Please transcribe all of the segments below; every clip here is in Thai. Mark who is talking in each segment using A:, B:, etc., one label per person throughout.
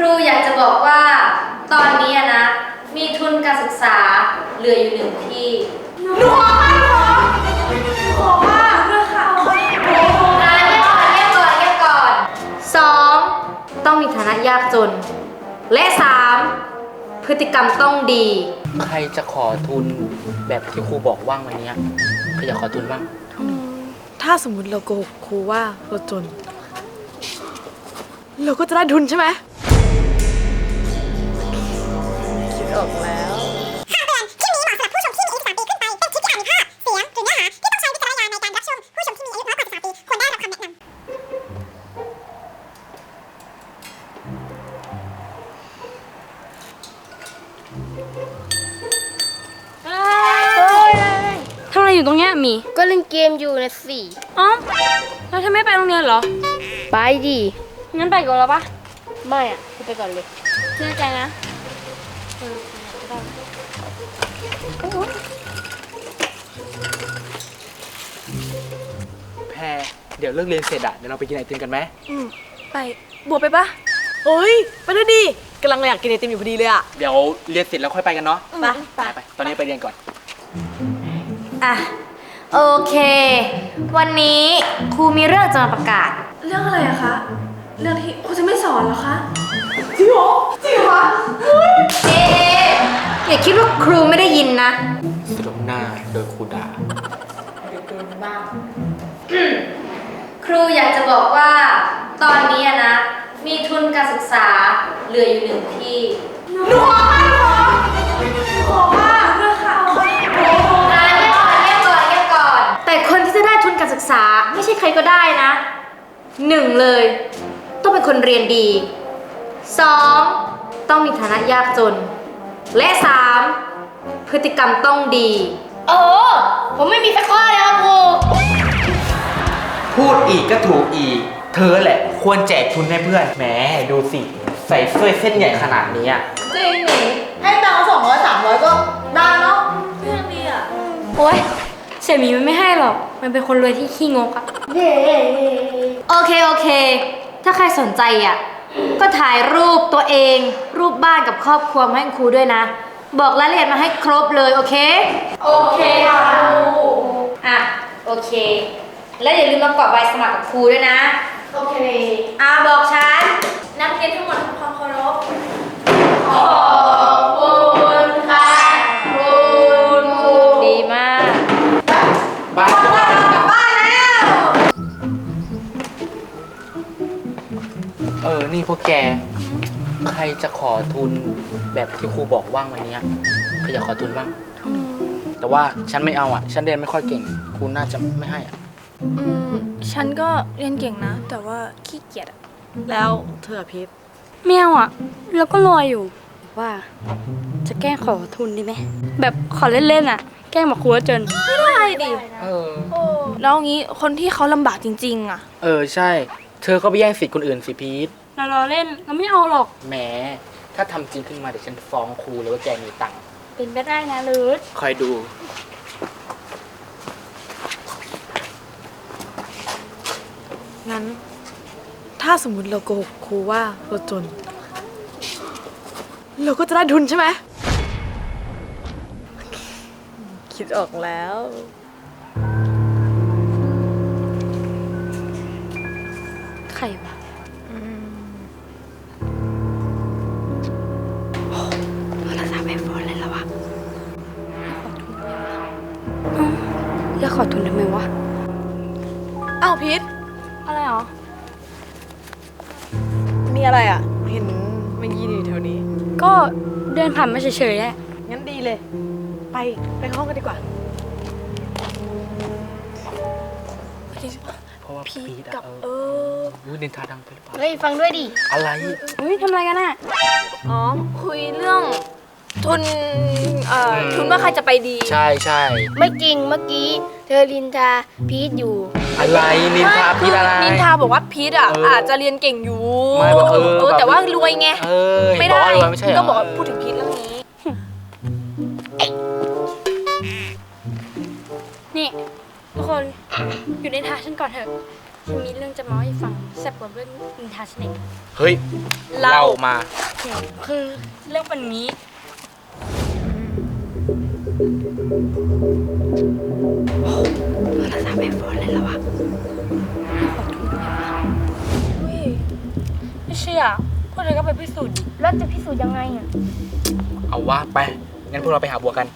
A: รูอยากจะบอกว่าตอนนี้นะมีทุนการศึกษาเหลืออยู่1 ที่หนูขอค่ะเพื่อค่ะเงียบก่อน2ต้องมีฐานะยากจนและ3พฤติกรรมต้องดี
B: ใครจะขอทุนแบบที่ครูบอกว่างวันนี้ใครอยากขอทุนบ้าง
C: ถ้าสมมติเราโกหกครูว่าเราจน เราก็จะได้ทุนใช่ไหมคิดออกแล้ว
D: คำเตือนคลิปนี้เหมาะสำหรับผู้ชมที่มีอายุ13 ปีขึ้นไป เป็นคลิปที่อาจมีภาพ เสียง หรือเนื้อหาที่ต้องใช้วิจารณญาณในการรับชม ผู้ชมที่มีอายุน้อยกว่า13 ปีควรได้รับคำแนะนำ
E: ทำอะไรอยู่ตรงเนี้ยมี
F: ก็เล่นเกมอยู่นะสิ
E: อ๋อแล้วเธอไม่ไปโรงเรียนเหรอ
F: ไปดิ
E: งั้นไปก่อนแล้วปะ
F: ไม่อ่ะคุณไปก่อนเลย
E: เชื่อใจนะ
B: แพรเดี๋ยวเลิกเรียนเสร็จเดี๋ยวเราไปกินไอติมกันไหม
C: ไปบัวไปปะเฮ้ย ไปด้วยดิกำลังอยากกินไอติมอยู่พอดีเลยอะ
B: เดี๋ยวเรียนเสร็จแล้วค่อยไปกันเนาะ
C: ไป
B: ตอนนี้ไปเรียนก่อน
A: อ่ะโอเค วันนี้ครูมีเรื่องจะมาประกาศ
C: เรื่องอะไรอะคะ เรื่องที่ครูจะไม่สอนเหรอคะ
A: เอ๊ะอย่าคิดว่าครูไม่ได้ยินนะ
B: สรุปหน้าโดยครูด่า
A: ครูอยากจะบอกว่าตอนนี้นะมีทุนการศึกษาเหลืออยู่1 ที่หนูขอค่ะเพื่อค่ะเงียบก่อน แต่คนที่จะได้ทุนการศึกษาไม่ใช่ใครก็ได้นะ1เลย ต้องเป็นคนเรียนดี2ต้องมีฐานะยากจน และ3พฤติกรรมต้องดี
F: โอ้ผมไม่มีสักข้อเลยครับครู
B: พูดอีกก็ถูกอีก เธอแหละควรแจกทุนให้เพื่อนแหมดูสิ ใส่เสื้อเส้นใหญ่ขนาดนี้อะ
C: จริงหนิให้ตังค์200 300 ก็ได้เนาะเพื่อนดีอะ
E: โอ๊ยเสี่ยหมีมันไม่ให้หรอก มันเป็นคนรวยที่ขี้งกอะ
A: โอเค ถ้าใครสนใจอ่ะ ก็ถ่ายรูปตัวเอง รูปบ้านกับครอบครัวมาให้ครูด้วยนะ บอกรายละเอียดมาให้ครบเลย โอเค โอเคค่ะครูอ่ะ โอเค แล้วอย่าลืมมากรอกใบสมัครกับครูด้วยนะ
C: โอเค
A: บอกฉัน
C: นักเรียนทั้งหมดทำความเคารพ
A: ขอบคุณค่ะคุณครูดีมาก
B: บาย นี่พวกแก ใครจะขอทุนแบบที่ครูบอกว่างวันนี้ใครอยากขอทุนบ้าง แต่ว่าฉันไม่เอาฉันเรียนไม่ค่อยเก่ง ครูน่าจะไม่ให้
C: ฉันก็เรียนเก่งนะ แต่ว่าขี้เกียจอะแล้วเธอพีท
E: ไม่เอาอะแล้วก็รออยู่ ว่า จะแกล้งขอทุนดีไหม แบบขอเล่นๆอะแกล้งบอกครูว่าจน
C: ได้ดิ
B: เออ
C: แล้วงี้คนที่เขาลำบากจริงๆอะ
B: ใช่ เธอก็ไปแย่งสิทธิ์คนอื่นสิพีท
E: เราเล่นเราไม่เอาหรอก
B: แหม ถ้าทำจริงขึ้นมาเดี๋ยวฉันฟ้องครูเลยว่าแกมีตังค์
E: เป็นไปได้นะลืด
B: คอยดู
C: งั้น ถ้าสมมติเราโกหกครูว่าเราจน เราก็จะได้ทุนใช่ไหมคิดออกแล้ว
E: ใครวะโทรศัพท์ไอโฟนเลยเหรอวะจะขอทุนทำไมวะ
C: อ้าวพีท
E: อะไรหรอ
C: มีอะไรอ่ะ เห็นมันยืนอยู่แถวนี้
E: ก็เดินผ่านมาเฉยๆแหละ
C: งั้นดีเลย ไปห้องกันดีกว่า
B: เพราะว่าพีท
C: กับ
B: นินทาดังไปหรือเปล่า
F: เฮ้ยฟังด้วยดิ
B: อะไร
E: อุ้ยทำอะไรกันอะ
C: อ๋อ คุยเรื่องทุน ทุนว่าใครจะไปดี
B: ใช่ใช่
F: ไม่จริงเมื่อกี้ เธอลินทาพีทอยู่
B: อะไรนินทาพีทอะไร
C: นินทาบอกว่าพีทอ่ะ
B: เอออ
C: อาจจะเรียนเก่งอยู่
B: ไม่บอกแบบ
C: แต่ว่ารวยไง ไม่ได้
B: บอกว่ารวยไม่ใช่เหรอ
C: ก็บอกว่าพูดถึงพีทเรื่องนี้
E: นี่ทุกคนอยู่ในท่าฉันก่อนเถอะ ฉันมีเรื่องจะมาเล่าให้ฟังแซ่บกว่าเรื่องนินทาฉันเอง
B: เฮ้ยเล่ามา
E: คือเรื่องวันนี้ภาษาแบบบอลเลยแล้ววะไม่เชื่อพวกเธอก็ไปพิสูจน์ดิ
F: แล้วจะพิสูจน์ยังไงอ่ะ
B: เอาวะไป งั้นพวกเราไปหาบัวกัน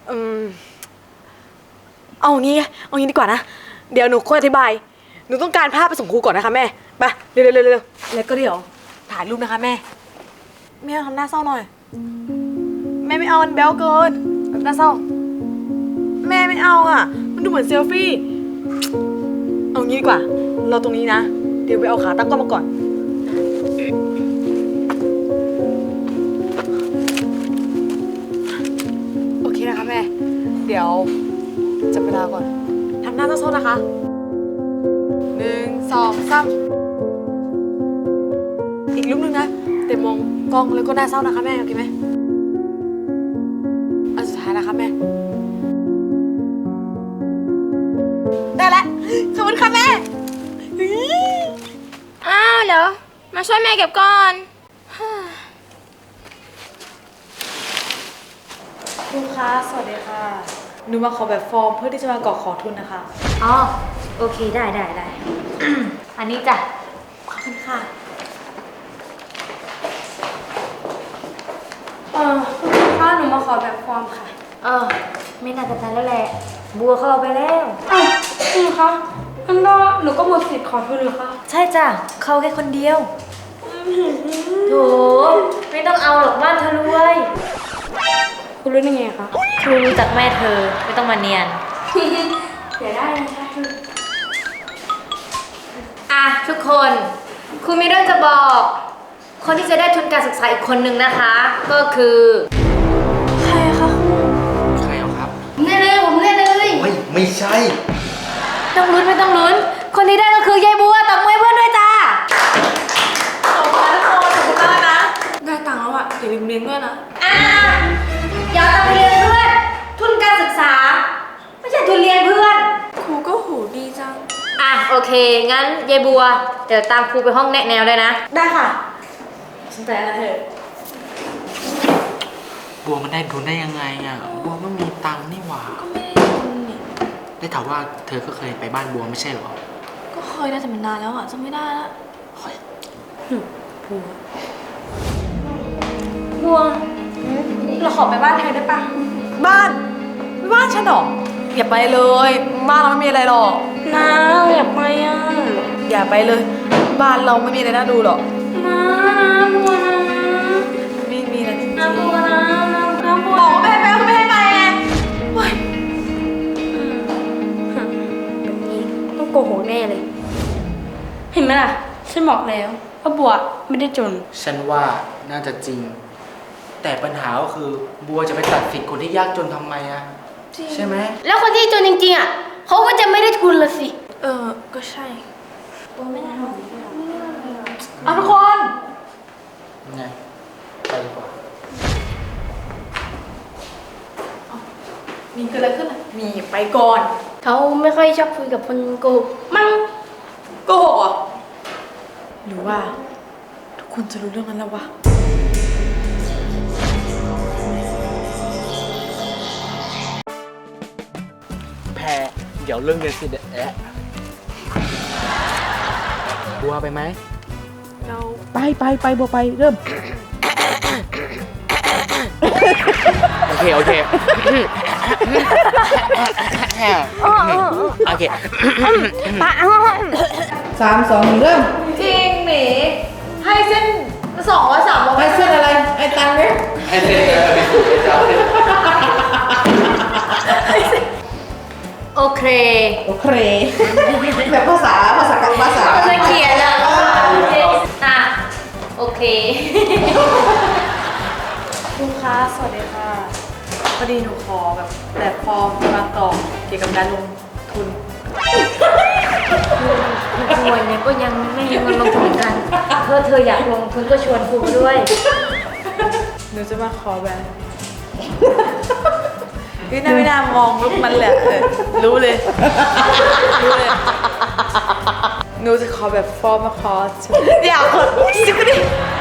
G: เอางี้ดีกว่านะ เดี๋ยวหนูค่อยอธิบาย หนูต้องการภาพไปส่งครูก่อนนะคะแม่ ไป เร็วแล้วก็เดี๋ยวถ่ายรูปนะคะแม่ แม่ทำหน้าเศร้าหน่อย แม่ไม่เอามันแบ๊วเกินแบบหน้าเศร้า แม่ไม่เอาอ่ะ มันดูเหมือนเซลฟี่ เอางี้ดีกว่า เราตรงนี้นะ เดี๋ยวไปเอาขาตั้งกล้องมาก่อน โอเคนะคะแม่ เดี๋ยวจับเวลาก่อน ทำหน้าเศร้าๆนะคะ1 2 3อีกรูปนึงนะแต่มองกล้องแล้วก็หน้าเศร้านะคะแม่ โอเคไหมอันสุดท้ายนะคะแม่ ได้แล้วขอบคุณค่ะแม่
F: อ้าวเหรอ มาช่วยแม่เก็บก่อน
G: ครูคะ สวัสดีค่ะ หนูมาขอแบบฟอร์มเพื่อที่จะมากรอกขอทุนนะคะ
A: อ๋อ โอเค ได้ อันนี้จ้ะ
G: ขอบคุณค่ะ
E: คุณครูคะหนูมาขอแบบฟอร์มค่ะ
A: ไม่น่าจะทันแล้วแหละ บัวเขาเอาไปแล้ว
E: อ้าวครูคะงั้นก็หนูก็หมดสิทธิ์ขอทุนเหรอคะ
A: ใช่จ้ะ เขาแค่คนเดียวโถไม่ต้องเอาหรอกบ้านเธอรวย
E: คุณรู้ได้ไงคะ
A: ครูรู้จักแม่เธอ ไม่ต้องมาเนียน
E: เสียได้นะคะ
A: อ่ะ ทุกคน ครูมีเรื่องจะบอก คนที่จะได้ทุนการศึกษาอีกคนนึงนะคะ ก็คือ
B: ใครเอาครับ
F: แน่เลยผมแน่เลย
H: ไม่ใช่
A: ไม่ต้องลุ้น คนที่ได้ก็คือยายบัวตบมือให้เพื่อนด้วยจ้า
G: ขอบคุณทุกคนขอบคุณมากนะ ได้ตังค์แล้วอ่ะอย่าลืมเลี้ยงด้วยนะ
A: อย่าเอาตังค์ไปเรียนเพื่อน ทุนการศึกษา ไม่ใช่ทุนเรียนเพื่อน
G: ครูก็หูดีจัง
A: อ่ะ โอเค งั้นยายบัว เดี๋ยวตามครูไปห้องแนะแนวเลยนะ
G: ได้ค่ะสนใจอะไรเถอะ
B: บัวมันได้ทุนได้ยังไงอ่ะ บัวไม่มีตังค์นี่หว่า
G: ก็ไม่ได้ทุนนี่
B: ได้ข่าวว่าเธอก็เคยไปบ้านบัวไม่ใช่เหรอ
G: ก็เคยได้แต่มันนานแล้วอ่ะจำไม่ได้ละ
E: บัวเราขอไปบ้านเธอได้ปะ
G: บ้านฉันเหรออย่าไปเลย บ้านเราไม่มีอะไรหรอก
E: นะอยากไปอ่ะ
G: อย่าไปเลย บ้านเราไม่มีอะไรน่าดูหรอก
E: นะบัวนะ
G: ไม่มีอะไรจริงๆ
E: นะบัวนะบัว
G: บอกว่าไม่ให้ไปก็ไม่ให้ไปไงเฮ้ย
E: แบบนี้ต้องโกหกแน่เลย เห็นไหมล่ะ ฉันบอกแล้วว่าบัวไม่ได้จน
B: ฉันว่าน่าจะจริง แต่ปัญหาก็คือบัวจะไปตัดสิทธิ์คนที่ยากจนทำไมอะใช่ไหม
F: แล้วคนที่จนจริงๆอ่ะเขาก็จะไม่ได้ทุนละสิ
G: ก็ใช่
A: เอาทุกคน
B: ไง ไปดีกว่า
G: มีเกิดอะไรขึ้นอ่ะมีไปก่อน
F: เขาไม่ค่อยชอบคุยกับคนโกหกมั้ง
G: โกหกเหรอหรือว่า ทุกคนจะรู้เรื่องนั้นแล้ววะ
B: แพรเดี๋ยวเรื่องเรียนสิเดะบัวไปไหม
G: เรา
B: ไปบัวไปเริ่ม โอเค โอเค
G: จริงหนีให้เส้น200 300ให้เส้นอะไร ไอ้ตังค์เนี่ย
H: ให้เซ็นเงินไปสู่ไอ้เจ้าเซ็น
A: โอเค
G: แบบภาษากับภาษา
A: จะเขียนแล้วอ่ะ โอเค
G: ครูคะสวัสดีค่ะพอดีหนูขอแบบฟอร์มมากรอกเกี่ยวกับการลงทุน
A: ครูเนี่ยก็ยังไม่มีเงินลงทุนเหมือนกันเธออยากลงทุนก็ชวนครูมาด้วย
G: หนูจะมาขอแบบพี่น่าไม่น่ามองลุกมันแหละรู้เลยหนูจะขอแบบฟอร์มาคอร์สเดี๋ยวก่อนสิบดิ